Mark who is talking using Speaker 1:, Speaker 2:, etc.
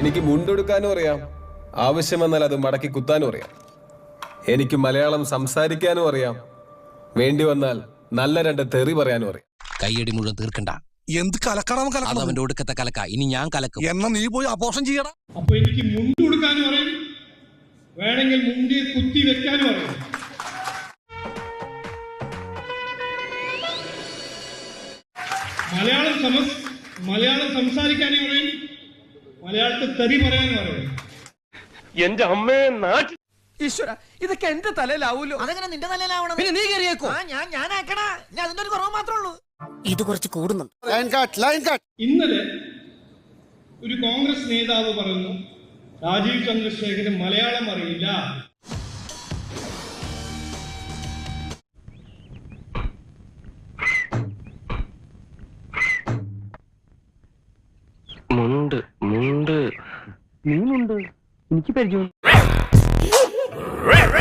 Speaker 1: എനിക്ക് മുണ്ടെടുക്കാനും അറിയാം, ആവശ്യം വന്നാൽ അത് മടക്കി കുത്താനും അറിയാം. എനിക്ക് മലയാളം സംസാരിക്കാനും അറിയാം, വേണ്ടി വന്നാൽ നല്ല രണ്ട് തെറി പറയാനും അറിയാം.
Speaker 2: കയ്യടി മുഴുവൻ തീർക്കണ്ട.
Speaker 3: എന്ത് കലക്കണം
Speaker 2: അത് അവന്റെ ഒടുക്കത്തെ കലക്ക. ഇനി ഞാൻ കലക്കും.
Speaker 3: എന്നാ നീ പോയി അപോഷം ചെയ്യണം.
Speaker 4: അപ്പൊ എനിക്ക് മുണ്ട് കൊടുക്കാനും അറിയാം, വേണമെങ്കിൽ മുണ്ടി കുത്തി വെക്കാനും അറിയാം. മലയാളം സംസാരിക്കാനും അറിയാം, മലയാളത്തിൽ തെറി പറയാനും അറിയാം.
Speaker 5: എന്റെ അമ്മയെ നാട്ടിൽ
Speaker 6: ഈശ്വര, ഇതൊക്കെ എന്റെ തലയിലാവൂലോ.
Speaker 7: അതെങ്ങനെ നിന്റെ തലയിലാവണം?
Speaker 6: പിന്നെ നീ കയറിയേക്കോ?
Speaker 7: ഞാനാക്കണ അതിന്റെ ഒരു കുറവ് മാത്രമേ ഉള്ളൂ.
Speaker 8: ഇത് കുറച്ച് കൂടുന്നുണ്ട്.
Speaker 4: ഇന്നലെ ഒരു കോൺഗ്രസ് നേതാവ് പറഞ്ഞു, രാജീവ് ചന്ദ്രശേഖരൻ മലയാളം അറിയില്ല.
Speaker 5: മുണ്ട് മുണ്ട് നീ മുണ്ട് എനിക്ക് പരിചയം